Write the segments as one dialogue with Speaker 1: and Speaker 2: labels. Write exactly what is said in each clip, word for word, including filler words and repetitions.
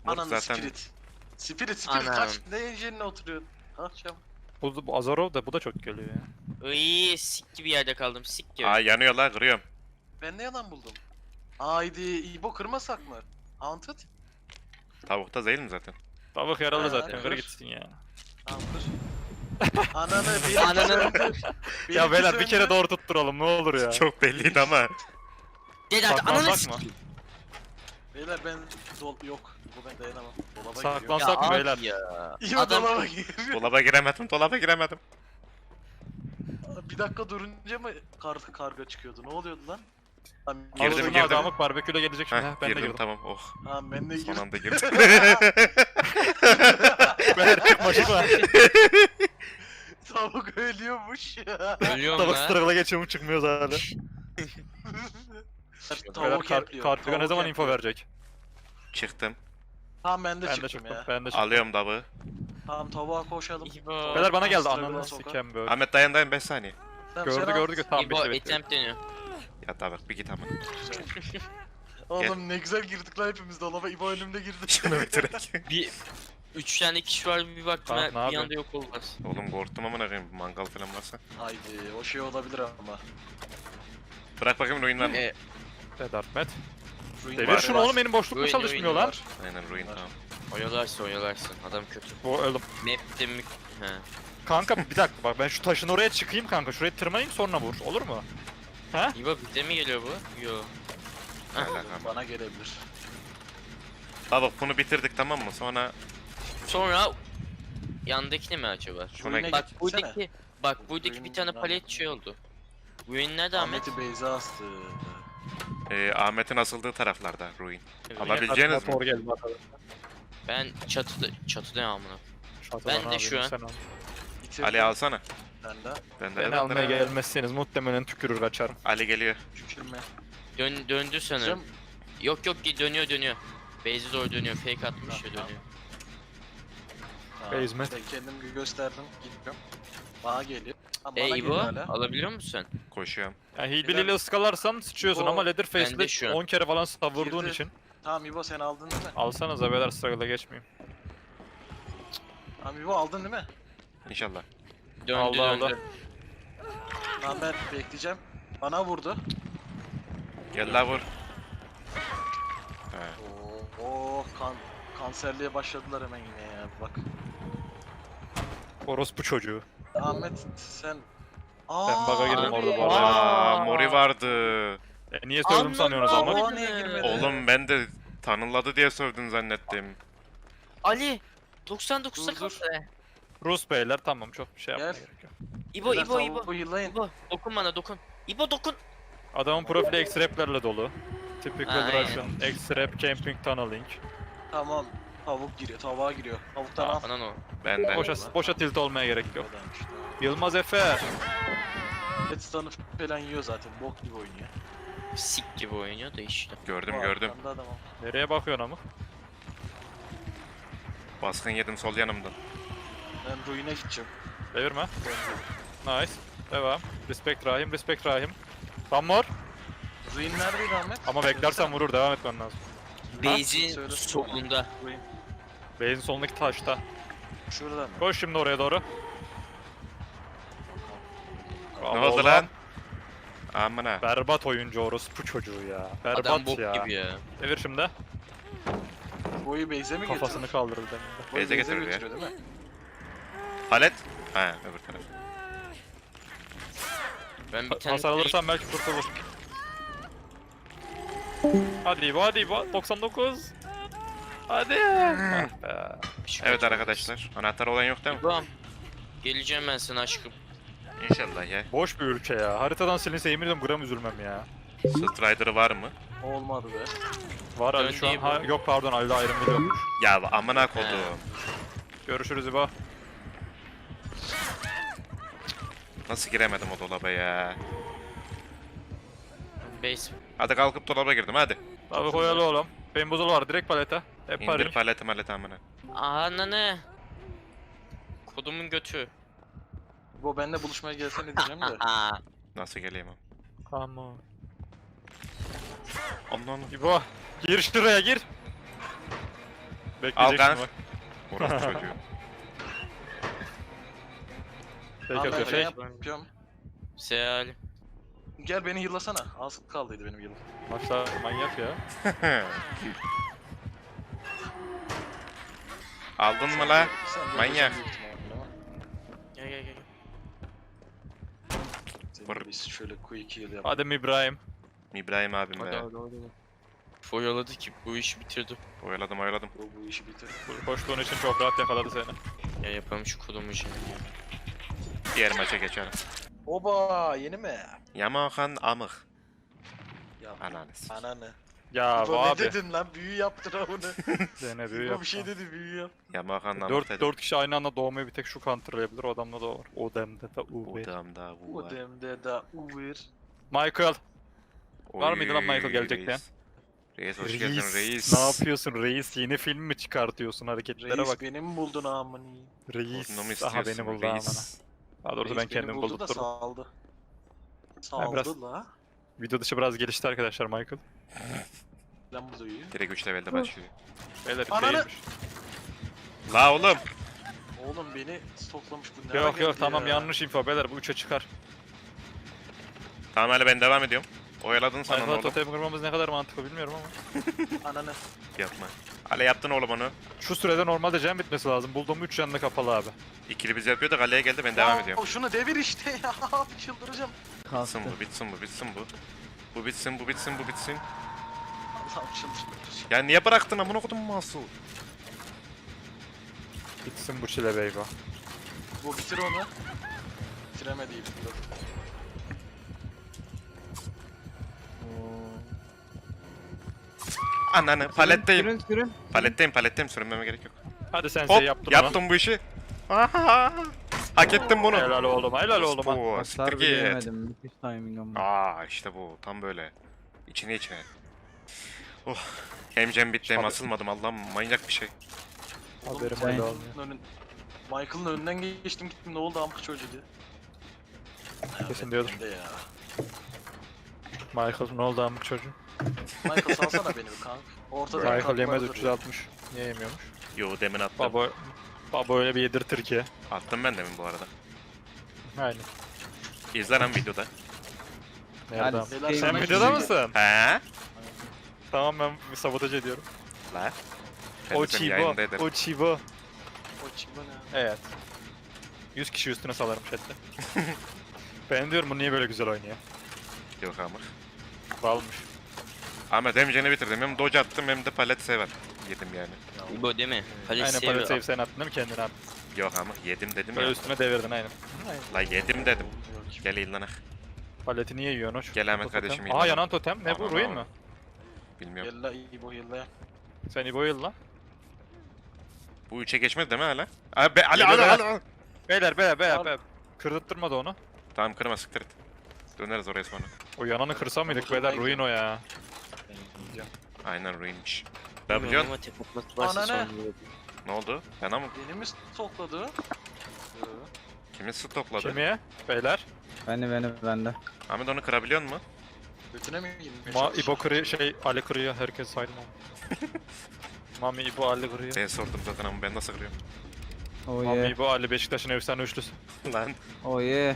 Speaker 1: Ananı
Speaker 2: zaten-
Speaker 1: spirit. Spirit spirit
Speaker 3: Anam.
Speaker 1: kaç ne yerine oturuyorsun? Kalk çabuk.
Speaker 4: Bu, bu Azarov da bu da çok geliyor ya.
Speaker 3: İyi sik gibi yerde kaldım sik gibi.
Speaker 2: Aa yanıyorlar, kırıyorum.
Speaker 1: Ben ne yalan buldum? Haydi İbo kırmasak mı? Haunted?
Speaker 2: Tavukta değil mi zaten?
Speaker 4: Tavuk yaralı
Speaker 1: Ha,
Speaker 4: zaten,
Speaker 1: kır.
Speaker 4: kır gitsin ya.
Speaker 1: Tamam kır. Ananı bir
Speaker 3: Ananı.
Speaker 4: Ya beyler bir kere doğru tutturalım ne olur ya.
Speaker 2: Çok belliydi ama.
Speaker 3: Gel hadi ananı
Speaker 4: Saklansak mı?
Speaker 3: sikeyim.
Speaker 1: Beyler ben dol yok. Bu ben dayanamam. Dolaba
Speaker 4: Saklan-
Speaker 1: giriyorum.
Speaker 4: Saklansak mı
Speaker 3: abi
Speaker 4: beyler?
Speaker 3: Ya.
Speaker 1: İbo
Speaker 3: Adam-
Speaker 1: dolaba giriyor.
Speaker 2: Dolaba giremedim, dolaba giremedim.
Speaker 1: Bir dakika durunca mı kar karga çıkıyordu? Ne oluyordu lan? Tamam,
Speaker 2: Girdim,
Speaker 4: Girdim,
Speaker 2: girdim.
Speaker 4: adamlık barbeküyle gelecek şimdi.
Speaker 2: Heh,
Speaker 4: Heh, ben de
Speaker 2: girdim
Speaker 4: girdim.
Speaker 2: tamam, oh.
Speaker 1: Tamam ben de
Speaker 2: Son
Speaker 1: girdim.
Speaker 2: anda girdim.
Speaker 4: Beyler çıkma çıkma.
Speaker 1: Tavuk ölüyormuş.
Speaker 3: Ölüyorum
Speaker 4: Tavuk
Speaker 3: lan.
Speaker 4: struggle'a geçiyormuş çıkmıyoruz hala. Beyler
Speaker 1: Tavuk
Speaker 4: kar
Speaker 1: yapıyor.
Speaker 4: Kartiga ne
Speaker 1: tavuk
Speaker 4: zaman info
Speaker 1: yapıyor.
Speaker 4: verecek?
Speaker 2: Çıktım.
Speaker 1: Tamam ben de
Speaker 4: Ben de
Speaker 1: çıktım
Speaker 4: çıktım,
Speaker 1: ya.
Speaker 4: ben de çıktım.
Speaker 2: Alıyorum tavuğu.
Speaker 1: Tamam tavuğa koşalım.
Speaker 3: İbo.
Speaker 4: Beyler bana geldi,
Speaker 1: Struggle'a
Speaker 4: ananı
Speaker 1: soka.
Speaker 4: sikem böyle.
Speaker 2: Ahmet dayan dayan beş saniye.
Speaker 1: Tamam,
Speaker 4: Gördü
Speaker 1: sen al.
Speaker 4: gördü gördü. Tamam
Speaker 3: İbo
Speaker 4: bitti bitti.
Speaker 3: attempt dönüyor.
Speaker 2: Ya tavuk bir git ama.
Speaker 1: Oğlum ne güzel girdik lan hepimiz dolaba. İbo önümde girdi.
Speaker 2: Şunu bitirek.
Speaker 3: Bir üç tane kişi var bir baktım
Speaker 4: Tamam,
Speaker 3: ha,
Speaker 4: ne
Speaker 3: bir
Speaker 4: yapıyorsun?
Speaker 3: anda yok olmaz.
Speaker 2: Oğlum korktum ama ne koyayım, mangal falan varsa.
Speaker 1: Haydi o şey olabilir ama.
Speaker 2: Bırak bakayım ruin var mı?
Speaker 3: E,
Speaker 4: Dedartmet.
Speaker 1: Ruin
Speaker 4: Devir
Speaker 1: var,
Speaker 4: şunu
Speaker 1: var.
Speaker 4: oğlum, benim boşluk mu
Speaker 3: Ruin,
Speaker 4: çalışmıyor
Speaker 3: ruin
Speaker 4: lan?
Speaker 1: Var.
Speaker 2: Aynen ruin
Speaker 1: Var.
Speaker 2: tamam.
Speaker 3: oyalarsın oyalarsın adam kötü.
Speaker 4: Bu öldüm.
Speaker 3: Map'te mük... He.
Speaker 4: Kanka bir dakika bak, ben şu taşın oraya çıkayım kanka. Şuraya tırmanayım sonra vur. Olur mu? Ha?
Speaker 3: İbo bize mi geliyor bu? Yo.
Speaker 2: Ne alakam?
Speaker 1: Bana gelebilir.
Speaker 2: Tavuk bunu bitirdik tamam mı? Sonra
Speaker 3: Sonra yandakini mi acaba?
Speaker 2: şuna
Speaker 1: Ruin'e
Speaker 3: Bak
Speaker 1: gitsene.
Speaker 3: buradaki bak buradaki bir tane
Speaker 1: Ruin-
Speaker 3: palet şey oldu. Ruin nerede Ahmet?
Speaker 1: Ahmet'i Beyza astı.
Speaker 2: e, Ahmet'in asıldığı taraflarda ruin.
Speaker 3: Evet.
Speaker 2: Alabileceğiniz mi?
Speaker 4: Motor geldi bakalım.
Speaker 3: Ben çatıda çatıda amına.
Speaker 4: Şatodan
Speaker 3: Ben de
Speaker 4: abi,
Speaker 3: şu an-
Speaker 4: sen al.
Speaker 1: Bitirdim.
Speaker 2: Ali alsana.
Speaker 1: Ben de.
Speaker 2: Ben de
Speaker 4: Beni almaya gelmezseniz muhtemelen tükürür kaçarım.
Speaker 2: Ali geliyor.
Speaker 1: Şükürme.
Speaker 3: Dön döndü sanırım.
Speaker 1: Cem.
Speaker 3: Yok yok dönüyor dönüyor. Base'e doğru dönüyor. Fake atmış ya
Speaker 1: Tamam.
Speaker 3: dönüyor.
Speaker 1: Tamam,
Speaker 4: Basement.
Speaker 1: Ben kendim gösterdim. Gidiyorum. Bana geliyor. Ha, bana
Speaker 3: E
Speaker 1: geliyor
Speaker 3: İbo
Speaker 1: hala.
Speaker 3: alabiliyor musun sen?
Speaker 2: Koşuyorum.
Speaker 4: Yani hilbiliyle ıskalarsan sıçıyorsun
Speaker 1: O
Speaker 4: ama
Speaker 3: bende
Speaker 4: Leatherface'le
Speaker 3: şu an.
Speaker 4: on kere falan savurduğun
Speaker 1: Girdi.
Speaker 4: için.
Speaker 1: Tamam İbo sen aldın değil mi?
Speaker 4: Alsanıza beyler, struggle'a geçmeyeyim.
Speaker 1: Tamam İbo aldın değil mi?
Speaker 2: İnşallah.
Speaker 3: Döndü
Speaker 4: Aldı,
Speaker 3: döndü.
Speaker 4: aldı.
Speaker 1: Tamam ben bekleyeceğim. Bana vurdu.
Speaker 2: Gel la vur. He.
Speaker 1: Oo, oh, kan kanserliğe başladılar hemen yine ya bak.
Speaker 4: Orospu çocuğu.
Speaker 1: Ahmet sen Aa,
Speaker 4: Ben bug'a girdim
Speaker 3: abi.
Speaker 4: orada bu arada.
Speaker 2: Aa, Mori vardı.
Speaker 4: E, niye sövdüm sanıyorsunuz
Speaker 3: Anladım.
Speaker 4: ama?
Speaker 1: Aa, niye girmedi?
Speaker 2: Oğlum ben de tanınladı diye sövdün zannettim.
Speaker 3: Ali doksan dokuzda
Speaker 1: Dur, dur.
Speaker 3: kaldı.
Speaker 4: Rus beyler tamam, çok bir şey yapmaya
Speaker 1: Gel.
Speaker 4: gerek yok.
Speaker 3: İbo
Speaker 1: Beyler,
Speaker 3: İbo İbo.
Speaker 1: tavuğu yıllayın.
Speaker 3: İbo dokun bana dokun. İbo dokun.
Speaker 4: Adamın profili X-Rap'lerle dolu. Typical
Speaker 3: Aynen.
Speaker 4: Russian X-Rap Camping Tunneling.
Speaker 1: Tamam. Tavuk giriyor, tavuğa giriyor. Tavuktan al.
Speaker 3: Anan o.
Speaker 2: Ben de.
Speaker 4: Boşa, boşa tilt olmaya gerek yok.
Speaker 1: Oradaymış, tamam.
Speaker 4: Yılmaz Efe.
Speaker 1: Headstone'u falan yiyor zaten. Bok gibi oynuyor.
Speaker 3: Sik gibi oynuyor da işte.
Speaker 2: Gördüm
Speaker 1: Bu
Speaker 2: gördüm.
Speaker 1: arkamda adam o.
Speaker 4: Nereye bakıyorsun ama?
Speaker 2: Baskın yedim sol yanımdan.
Speaker 1: Ben ruin'e gideceğim.
Speaker 4: Devirme. Nice. Devam. Respect Rahim, respect Rahim. One more.
Speaker 1: Ruin neredeydi Ahmet?
Speaker 4: Ama beklersen vurur, devam etmen lazım.
Speaker 3: Base'in
Speaker 1: Söyle.
Speaker 3: solunda.
Speaker 1: Ruin.
Speaker 4: Base'in solundaki taşta.
Speaker 1: Şurada mı?
Speaker 4: Koş şimdi oraya doğru.
Speaker 2: Ne
Speaker 4: Allah
Speaker 2: oldu
Speaker 4: Allah.
Speaker 2: lan? Amına.
Speaker 4: Berbat oyuncu orospu çocuğu ya. Berbat
Speaker 3: Adam bok
Speaker 4: ya.
Speaker 3: gibi ya.
Speaker 4: Devir şimdi.
Speaker 1: Boyu base'e mi getiriyor?
Speaker 4: Kafasını kaldırdı demin.
Speaker 1: Boyu
Speaker 2: Base'e
Speaker 1: base'e
Speaker 2: getiriyor ya.
Speaker 1: götürüyor değil mi?
Speaker 2: Palet. Ha öbür taraf.
Speaker 3: Ben bir tane
Speaker 4: Hasar alırsan belki kurtulur. Hadi İbo, hadi İbo. doksan dokuz. Hadi. Ah be.
Speaker 2: Evet arkadaşlar. Anahtar olan yok değil mi?
Speaker 3: İbo'm. Geleceğim ben sana aşkım.
Speaker 2: İnşallah ya.
Speaker 4: Boş bir ülke ya. Haritadan silinse yemin ediyorum gram üzülmem ya.
Speaker 2: Strider'ı var mı?
Speaker 1: Olmadı be.
Speaker 4: Var Ali
Speaker 3: Dön
Speaker 4: şu an.
Speaker 3: değil bu.
Speaker 4: Ha, yok pardon, Ali'de ayrım biliyormuş.
Speaker 2: Ya amına kodum.
Speaker 4: Görüşürüz İbo.
Speaker 2: Nasıl giremedim o dolaba ya?
Speaker 3: Base.
Speaker 2: Hadi kalkıp dolaba girdim hadi.
Speaker 4: Abi koyalı oğlum. Benim buzul var direkt palete. Hep
Speaker 2: İndir
Speaker 4: paring.
Speaker 2: paleti maleti amına.
Speaker 3: Ananı. Kodumun götü.
Speaker 1: Bu benimle buluşmaya gelsene diyeceğim de.
Speaker 3: Aa.
Speaker 2: Nasıl geleyim am?
Speaker 4: Tamam.
Speaker 2: Allah'ım.
Speaker 4: İbo. Gir şuraya gir. Bekleyeceksin
Speaker 2: kanka.
Speaker 4: bak.
Speaker 2: Orası çocuğu.
Speaker 4: Peki
Speaker 1: Abi ben
Speaker 4: atıyor
Speaker 1: şey
Speaker 4: şey.
Speaker 1: yapıyorum.
Speaker 3: Seal.
Speaker 1: Gel beni yıllasana. Az kaldıydı benim yılım.
Speaker 4: Maçlar manyak ya.
Speaker 2: Aldın mı la?
Speaker 1: Sen de
Speaker 2: Manyak.
Speaker 1: öleceksin büyük ihtimalle ama.
Speaker 3: Gel gel gel.
Speaker 1: Senin
Speaker 2: Vur.
Speaker 1: biz şöyle quick heal yap.
Speaker 4: Adem İbrahim.
Speaker 2: İbrahim abim
Speaker 3: Hadi
Speaker 2: be.
Speaker 3: hadi hadi. Foyaladı ki bu işi bitirdi.
Speaker 2: Oyaladım oyaladım.
Speaker 1: Bu, bu işi bitir.
Speaker 4: Koştuğun için çok rahat yakaladı seni.
Speaker 3: Ya yapalım şu kolumu şimdi ya.
Speaker 2: Diğer maça geçelim.
Speaker 1: Oba yeni mi?
Speaker 2: Yamahan amık.
Speaker 1: Ya
Speaker 2: Ananız.
Speaker 1: ananı.
Speaker 4: Ya
Speaker 1: Bu
Speaker 4: bu
Speaker 1: ne
Speaker 4: abi.
Speaker 1: dedin lan? Büyü yaptın ha bunu.
Speaker 4: Dene büyü
Speaker 1: Bu
Speaker 4: yapma.
Speaker 1: bir şey dedi büyü yap.
Speaker 2: Yamahan amık
Speaker 4: Dört,
Speaker 2: dedim.
Speaker 4: dört kişi aynı anda doğmayı bir tek şu counterlayabilir. O adamda da o var. O demde de U B.
Speaker 2: Odamda bu
Speaker 1: Bu
Speaker 2: var.
Speaker 1: demde de uvir.
Speaker 4: Michael. Var
Speaker 2: Oy,
Speaker 4: mıydı lan Michael gelecek
Speaker 2: reis. Reis hoş geldin
Speaker 4: Reis.
Speaker 2: reis.
Speaker 4: Ne yapıyorsun reis? Yeni film mi çıkartıyorsun? Hareketlere
Speaker 1: Reis
Speaker 4: bak.
Speaker 1: beni mi buldun amını?
Speaker 4: Reis.
Speaker 2: Bunu mu
Speaker 4: Aha
Speaker 2: istiyorsun
Speaker 4: beni buldu amına.
Speaker 2: reis?
Speaker 4: Daha doğrusu ben kendim
Speaker 1: buldu da
Speaker 4: buldurdum.
Speaker 1: saldı.
Speaker 4: Ben
Speaker 1: Saldı
Speaker 4: biraz-
Speaker 1: la.
Speaker 4: Video dışı biraz gelişti arkadaşlar Michael.
Speaker 1: Lan bu duyuyor.
Speaker 2: Direkt üç levelde başlıyor.
Speaker 4: Beyler
Speaker 1: Ananı-
Speaker 4: değilmiş.
Speaker 2: La oğlum.
Speaker 1: Oğlum beni stoklamış bu ne
Speaker 4: Yok
Speaker 1: ara
Speaker 4: yok
Speaker 1: geldi
Speaker 4: tamam
Speaker 1: ya?
Speaker 4: yanlış info beyler bu üçe çıkar.
Speaker 2: Tamam hele ben devam ediyorum. Oyaladın sana
Speaker 4: Michael'a
Speaker 2: oğlum.
Speaker 4: totem kırmamız ne kadar mantıklı bilmiyorum ama.
Speaker 1: Ananı.
Speaker 2: Yapma. Ale yaptın oğlum onu.
Speaker 4: Şu sürede normalde can bitmesi lazım. Bulduğum üç canlı kapalı abi.
Speaker 2: İkili biz yapıyor da kaleye geldi ben devam
Speaker 1: Aa,
Speaker 2: ediyorum.
Speaker 1: Şunu devir işte ya. Çıldıracağım.
Speaker 2: Bitsin bu bitsin bu bitsin bu. Bu bitsin bu bitsin bu bitsin.
Speaker 1: Allah'ım çıldıracağım.
Speaker 2: Ya niye bıraktın amına kodum Masu?
Speaker 4: Bitsin bu çile beyba.
Speaker 1: Bu bitir onu. Bitiremedi iyi bitir.
Speaker 2: Ananı paletteyim.
Speaker 5: Sürün sürün.
Speaker 2: Paletteyim paletteyim sürünmeme gerek yok.
Speaker 4: Hadi sen
Speaker 2: Hop
Speaker 4: şey yaptın
Speaker 2: yaptım bu işi. Ahaha. Hak ettim bunu.
Speaker 4: Helal oğlum helal oğlum ha.
Speaker 2: Bu
Speaker 5: Hasar
Speaker 2: siktir
Speaker 5: bile
Speaker 2: git.
Speaker 5: yemedim. Müthiş timing ama.
Speaker 2: Aa işte bu tam böyle. İçine içine. Oh. Hem cem bitti hem
Speaker 4: Abi.
Speaker 2: asılmadım Allah'ım manyak bir şey.
Speaker 4: Haberim
Speaker 5: Sen-
Speaker 4: öyle olmuyor.
Speaker 1: Önün... Michael'ın önünden geçtim gittim ne oldu amk çocuğu diye.
Speaker 4: Kesin diyordur.
Speaker 1: Ben de ya.
Speaker 4: Michael ne oldu amık çocuğu?
Speaker 1: Michael salsana beni bir kank. Ortada
Speaker 4: Michael
Speaker 1: kalkmadı
Speaker 4: yemez
Speaker 1: duruyor.
Speaker 4: üç yüz altmış. Niye yemiyormuş?
Speaker 2: Yo demin attım.
Speaker 4: Baba Baba öyle bir yedirtir ki.
Speaker 2: Attım ben demin bu arada.
Speaker 4: Aynen.
Speaker 2: İzle lan videoda.
Speaker 4: Nereden?
Speaker 5: Hadi
Speaker 1: Beyler,
Speaker 5: sikeyim
Speaker 4: Sen
Speaker 1: Hemen
Speaker 4: videoda
Speaker 1: gidiyor.
Speaker 4: mısın?
Speaker 2: He?
Speaker 4: Tamam ben bir sabotaj ediyorum.
Speaker 2: La.
Speaker 4: O
Speaker 2: Kendisini
Speaker 4: Chibo.
Speaker 2: yayında ederim.
Speaker 4: O Chibo.
Speaker 1: O çıkma ne?
Speaker 4: Evet. yüz kişi üstüne salarım chatte. Ben diyorum bu niye böyle güzel oynuyor?
Speaker 2: Yok amır.
Speaker 4: Balmış.
Speaker 2: Ahmet hem jeni bitirdim hem dodge attım hem de palet sever. Yedim yani.
Speaker 3: Bu değil mi? Halis
Speaker 4: Aynen
Speaker 3: seviyor.
Speaker 4: palet save sen attın değil mi kendine attın?
Speaker 2: Yok amır yedim dedim
Speaker 4: Böyle
Speaker 2: ya.
Speaker 4: üstüne devirdin aynen.
Speaker 2: La yedim dedim. Gel illanak.
Speaker 4: Paleti niye yiyorsun hoş?
Speaker 2: Gel Ahmet
Speaker 4: Totem.
Speaker 2: kardeşim,
Speaker 4: Aa
Speaker 2: yılan.
Speaker 4: yanan totem ne bu
Speaker 2: Aman
Speaker 4: ruin
Speaker 2: aman.
Speaker 4: mi?
Speaker 2: Bilmiyorum.
Speaker 1: Yella iyi bu yella.
Speaker 4: Sen İbo yılla.
Speaker 2: Bu üçe geçmedi değil mi hala? Abi be, Ali
Speaker 4: Geliyor
Speaker 2: Ali
Speaker 4: beyler.
Speaker 2: Ali. Ali.
Speaker 4: Beyler beyler beyler
Speaker 1: Al.
Speaker 4: beyler. Kırdırtma da onu.
Speaker 2: Tamam kırma siktir et. Döneriz oraya sonra.
Speaker 4: O yananı kırsa mıydık
Speaker 1: Motoruna
Speaker 4: beyler ruin
Speaker 1: gidiyor.
Speaker 4: o ya.
Speaker 2: Aynen ruinmiş.
Speaker 3: Bilmiyorum
Speaker 2: Ne biliyorsun?
Speaker 3: ama tek atması varsa
Speaker 1: Ananı.
Speaker 3: sonra vurur.
Speaker 2: Ne oldu? Yana mı?
Speaker 1: Beni mi stokladı? Yo.
Speaker 2: Kimi stopladı?
Speaker 4: Kimiye? Beyler.
Speaker 5: Beni beni bende.
Speaker 2: Ahmet onu kırabiliyor mu?
Speaker 1: Götüne mi girmeye
Speaker 4: Ma
Speaker 1: çalışıyor?
Speaker 4: İbo kırıyor şey Ali kırıyor herkes saydım onu. Mami İbo Ali kırıyor.
Speaker 2: Ben sordum zaten ama ben nasıl kırıyorum?
Speaker 5: Oh
Speaker 4: Mami
Speaker 5: yeah.
Speaker 4: İbo Ali Beşiktaş'ın efsane üçlüsü.
Speaker 2: Lan.
Speaker 5: Oh yeah.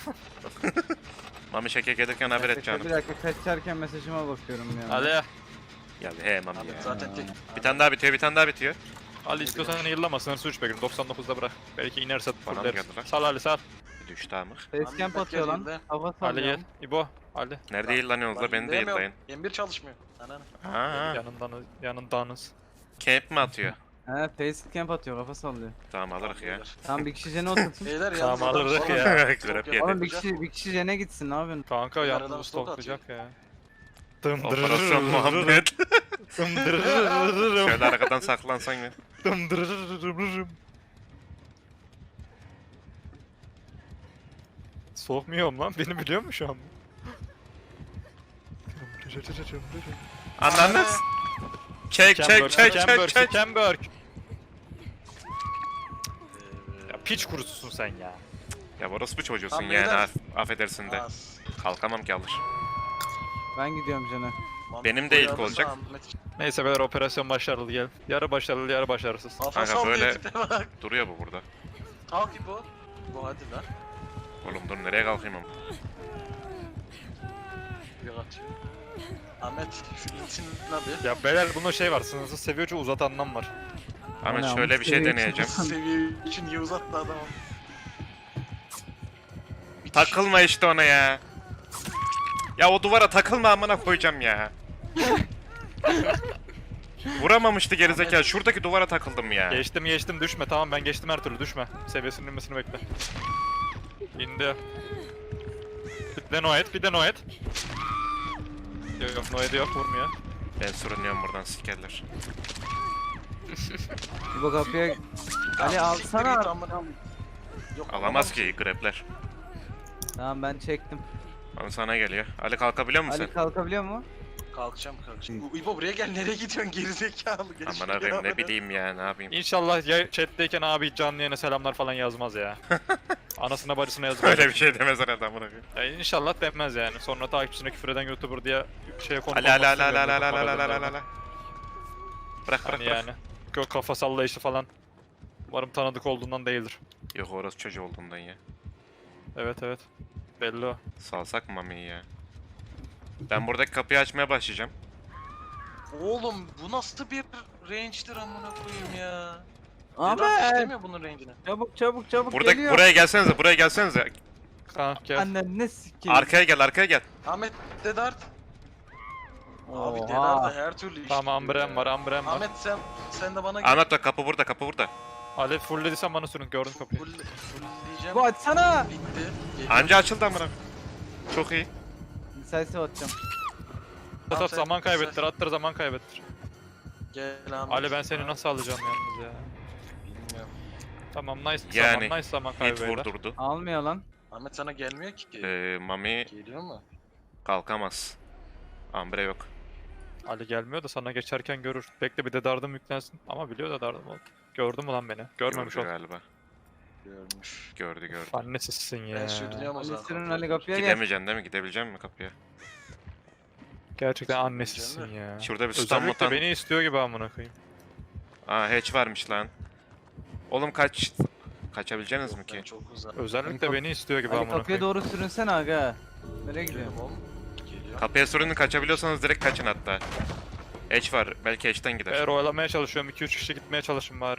Speaker 2: Mami şeke gelirken haber et
Speaker 5: Bir
Speaker 2: canım.
Speaker 5: dakika kaçarken mesajıma bakıyorum ya.
Speaker 4: Ali.
Speaker 2: Ya he Mami
Speaker 1: Abi
Speaker 2: ya.
Speaker 1: zaten tek.
Speaker 2: Bir tane daha bitiyor bir tane daha bitiyor.
Speaker 4: Ali istiyorsan yıllama sınırsız üç bekliyorum. doksan dokuzda bırak. Belki inerse
Speaker 2: Bana mı
Speaker 4: fulleriz.
Speaker 2: geldi lan?
Speaker 4: Sal Ali sal.
Speaker 2: Bir düştü amır.
Speaker 5: Facecamp
Speaker 1: Ahmet
Speaker 5: atıyor lan.
Speaker 1: geldiğinde-
Speaker 5: Hava
Speaker 4: Ali
Speaker 5: sallıyor.
Speaker 4: gel. İbo. Ali.
Speaker 2: Nerede yıllanıyorsunuz la beni de yıllayın.
Speaker 1: M bir çalışmıyor. Ananı.
Speaker 2: Ha,
Speaker 4: Yanından yanındanız.
Speaker 2: camp mi atıyor?
Speaker 5: He facecamp atıyor kafa sallıyor.
Speaker 2: Tamam alırız ya.
Speaker 5: Tam bir kişi jene otursun.
Speaker 1: Beyler
Speaker 4: Tamam,
Speaker 1: yalnız adam
Speaker 4: alırız
Speaker 1: sonra-
Speaker 4: ya.
Speaker 2: Güzel
Speaker 1: Çok
Speaker 2: yedi.
Speaker 1: yapar.
Speaker 5: Oğlum bir kişi bir kişi jene gitsin ne yapıyorsun?
Speaker 4: Kanka
Speaker 1: Bir
Speaker 4: yalnız
Speaker 1: aradan stok
Speaker 4: stoklayacak ya.
Speaker 2: Operasyon Muhammed.
Speaker 4: Dımdırırırırırım.
Speaker 2: Şöyle arkadan saklansan ya.
Speaker 4: Dımdırırırırırım. Soğukmuyorum lan beni biliyor mu şu an?
Speaker 2: Anladınız? Çek çek çek çek çek.
Speaker 4: Camberg.
Speaker 1: Ee,
Speaker 4: Ya piç kurususun sen ya.
Speaker 2: Ya orası bu çocuğusun
Speaker 1: Tamam,
Speaker 2: yani
Speaker 1: beyler.
Speaker 2: af- affedersin de.
Speaker 1: az.
Speaker 2: Kalkamam ki alır.
Speaker 5: Ben gidiyorum Can'a.
Speaker 2: Benim de ilk olacak.
Speaker 4: Neyse beyler operasyon başarılı gel. Yarı başarılı yarı başarısız.
Speaker 1: Kafa
Speaker 2: Kanka,
Speaker 1: sallıyor
Speaker 2: böyle-
Speaker 1: tipe bak.
Speaker 2: Duruyor bu burada.
Speaker 1: Kalk İbo. Bu hadi lan.
Speaker 2: Oğlum dur nereye kalkayım ama.
Speaker 1: Bir atıyor. Ahmet şu intin abi.
Speaker 4: Ya beyler bunda şey var sınırsız seviyorca uzatandan var.
Speaker 2: Ahmet
Speaker 5: Ana,
Speaker 2: şöyle bir şey
Speaker 5: seviye
Speaker 2: deneyeceğim.
Speaker 1: Seviye için iyi uzattı adam.
Speaker 2: Takılma işte ona ya. Ya o duvara takılma amına koyacağım ya. Vuramamıştı gerizekalı. Şuradaki duvara takıldım ya.
Speaker 4: Geçtim geçtim düşme tamam ben geçtim her türlü düşme. Seviyesinin inmesini bekle. İndi. Bir de no et bir de no et. Yok yok no et yok vurmuyor.
Speaker 2: Ben sürünüyorum buradan sikerler.
Speaker 5: Bu kapıya... Ali alsana.
Speaker 1: Siktir git amına. Yok,
Speaker 2: Alamaz ki grepler.
Speaker 5: Tamam ben çektim.
Speaker 2: Ama sana geliyor. Ali kalkabiliyor musun
Speaker 5: Ali
Speaker 2: sen?
Speaker 5: kalkabiliyor mu?
Speaker 1: Kalkacağım kalkacağım. Bu- İbo buraya gel, nereye gidiyorsun gerizekalı? Gel
Speaker 2: Aman
Speaker 1: şuraya
Speaker 2: abim ne
Speaker 1: amına.
Speaker 2: bileyim ya ne yapayım.
Speaker 4: İnşallah ya chat'teyken abi canlı yayına selamlar falan yazmaz ya. Anasına bacısına yazmaz.
Speaker 2: Öyle bir şey demez herhalde amına koyayım.
Speaker 4: Ya inşallah demez yani. Sonra takipçisine küfür eden YouTuber diye şeye konu
Speaker 2: Ali Ali Ali Ali Ali Ali Ali Ali Ali Ali. Bırak bırak
Speaker 4: Hani
Speaker 2: bırak.
Speaker 4: yani. Gök kafa sallayışı falan. Umarım tanıdık olduğundan değildir.
Speaker 2: Yok orası çocuğu olduğundan ya.
Speaker 4: Evet evet. Belli o.
Speaker 2: Salsak mı Mami'yi ya? Ben buradaki kapıyı açmaya başlayacağım.
Speaker 1: Oğlum bu nasıl bir range'dir amına koyayım ya.
Speaker 5: Ahmet!
Speaker 1: Vedat istemiyor bunun range'ini.
Speaker 5: Çabuk çabuk çabuk
Speaker 2: Burada
Speaker 5: geliyor.
Speaker 2: buraya gelsenize, buraya gelsenize.
Speaker 4: Ha gel.
Speaker 5: Annen ne sikeyim.
Speaker 2: Arkaya gel, arkaya gel.
Speaker 1: Ahmet Dedart. Abi
Speaker 5: Oha.
Speaker 1: Dedart da her türlü iş.
Speaker 4: Tamam
Speaker 1: biliyor
Speaker 4: ambrem
Speaker 1: ya.
Speaker 4: var ambrem var.
Speaker 1: Ahmet sen sen de bana gel.
Speaker 2: Ahmet bak kapı burada, kapı burada.
Speaker 4: Alev fulllediysen bana sürün gördüm kapıyı.
Speaker 1: Full, full diyeceğim.
Speaker 5: Bu açsana.
Speaker 1: Bitti. Geliyor.
Speaker 2: Anca açıldı amına. Çok iyi.
Speaker 5: Decisive atacağım.
Speaker 4: At at
Speaker 1: sen-
Speaker 4: zaman kaybettir
Speaker 1: sen-
Speaker 4: attır zaman kaybettir.
Speaker 1: Gel Ahmet.
Speaker 4: Ali ben seni nasıl alacağım yalnız ya.
Speaker 1: Bilmiyorum.
Speaker 4: Tamam nice
Speaker 2: Yani,
Speaker 4: zaman nice zaman
Speaker 2: Hit
Speaker 4: kaybı beyler.
Speaker 2: vurdurdu.
Speaker 5: Almıyor lan.
Speaker 1: Ahmet sana gelmiyor ki.
Speaker 2: Ee, Mami
Speaker 1: Geliyor mu?
Speaker 2: kalkamaz. Ambre yok.
Speaker 4: Ali gelmiyor da sana geçerken görür. Bekle bir de dardım yüklensin. Ama biliyor da dardım oldu. Gördü mü lan beni? Görmemiş
Speaker 2: Gördü
Speaker 4: ol.
Speaker 2: galiba.
Speaker 1: Görmüş.
Speaker 2: Gördü gördü.
Speaker 4: Annesizsin ya.
Speaker 1: Ben sürünüyorum o
Speaker 5: Ali
Speaker 1: zaman.
Speaker 5: sürün Ali kapıya gel.
Speaker 2: Gidemeyeceksin değil mi? Gidebilecek misin kapıya?
Speaker 4: Gerçekten
Speaker 1: Sürüneceğim
Speaker 4: annesizsin ya.
Speaker 2: Şurada bir stun
Speaker 4: Özellikle
Speaker 2: mutan.
Speaker 4: beni istiyor gibi amına koyayım.
Speaker 2: Aa hatch varmış lan. Oğlum kaç... Kaçabileceksiniz mi
Speaker 1: Ben
Speaker 2: ki?
Speaker 1: çok uzak.
Speaker 4: Özellikle
Speaker 5: Kap-
Speaker 4: beni istiyor gibi
Speaker 5: Ali
Speaker 4: amına
Speaker 5: kapıya
Speaker 4: koyayım.
Speaker 5: doğru sürünsene aga. Nereye gidiyorsun?
Speaker 1: Geliyorum oğlum. Geliyor.
Speaker 2: Kapıya sürünün kaçabiliyorsanız direkt kaçın hatta. Hatch var. Belki hatch'ten gider.
Speaker 4: Eğer oyalamaya çalışıyorum iki üç kişi gitmeye çalışın bari.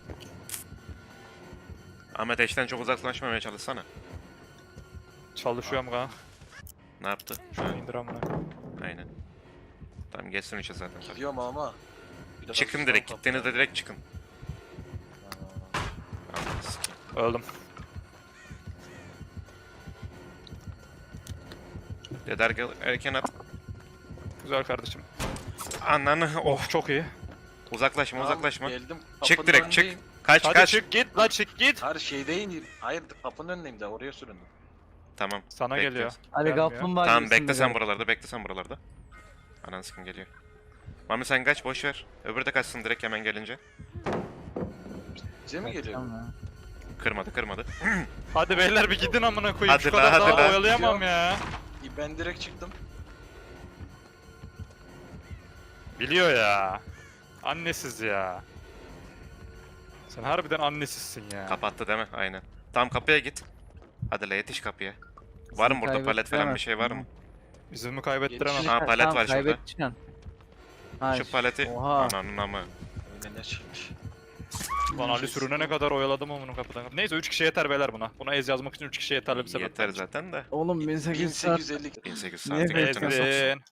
Speaker 2: Ahmet hatch'ten çok uzaklaşmamaya çalışsana.
Speaker 4: Çalışıyorum kanka.
Speaker 2: Ne yaptı?
Speaker 4: Şunu indir amına koyayım.
Speaker 2: Aynen. Tamam geçsin üçe zaten. tabii.
Speaker 1: Gidiyorum ama. Bir de
Speaker 2: Çıkın
Speaker 1: bak,
Speaker 2: direkt.
Speaker 1: kapı-
Speaker 2: Gittiğinizde direkt çıkın.
Speaker 1: Aa,
Speaker 2: Ananı sikeyim.
Speaker 4: Öldüm.
Speaker 2: Deder gel erken at.
Speaker 4: Güzel kardeşim.
Speaker 2: Ananı oh.
Speaker 4: Of çok iyi.
Speaker 2: Uzaklaşma
Speaker 1: tamam,
Speaker 2: uzaklaşma.
Speaker 1: Geldim.
Speaker 2: Çık
Speaker 1: Kapının
Speaker 2: direkt çık.
Speaker 1: önündeyim.
Speaker 2: Kaç
Speaker 4: Hadi
Speaker 2: kaç.
Speaker 4: çık git la çık git.
Speaker 1: Hayır şeydeyim. Hayır kapının önündeyim de oraya süründüm.
Speaker 2: Tamam.
Speaker 4: Sana
Speaker 2: bekliyoruz.
Speaker 4: geliyor.
Speaker 5: Ali
Speaker 4: Gelmiyor.
Speaker 5: kaplumbağa
Speaker 2: Tamam
Speaker 5: gibisin
Speaker 2: bekle
Speaker 5: be
Speaker 2: sen
Speaker 5: gel.
Speaker 2: buralarda. Bekle sen buralarda. Ananı sikim geliyor. Mami sen kaç boş ver. Öbürü de kaçsın direkt hemen gelince.
Speaker 1: Bize mi geliyor?
Speaker 5: Tamam ya.
Speaker 2: Kırmadı kırmadı.
Speaker 4: Hadi beyler bir gidin amına koyayım.
Speaker 2: Hadi
Speaker 4: Şu
Speaker 2: la,
Speaker 4: kadar
Speaker 2: hadi
Speaker 4: daha
Speaker 2: la.
Speaker 4: oyalayamam ya.
Speaker 1: Ben direkt çıktım.
Speaker 4: Biliyor ya. Annesiz ya. Sen harbiden annesizsin ya.
Speaker 2: Kapattı değil mi? Aynen. Tamam kapıya git. Hadi la yetiş kapıya. Var mı burada palet falan bir şey var mı?
Speaker 4: İzimi kaybettiremem.
Speaker 1: Yetişin.
Speaker 2: Ha, palet var şurada.
Speaker 5: Kaybedeceksin. Ha,
Speaker 2: Şu paleti.
Speaker 5: Oha.
Speaker 2: Ananın ama.
Speaker 1: Öyle ne çıkmış.
Speaker 4: Lan Ali sürüne ne kadar oyaladım onu kapıdan. Neyse üç kişi yeter beyler buna. Buna ez yazmak için üç kişi yeterli bir sebep.
Speaker 2: Yeter zaten de.
Speaker 5: Oğlum bin sekiz yüz saat.
Speaker 1: bin sekiz yüz elli.
Speaker 2: bin sekiz yüz
Speaker 5: Niye
Speaker 2: saati götüne
Speaker 5: bekliyorsun?
Speaker 2: soksun.
Speaker 4: Ezdin.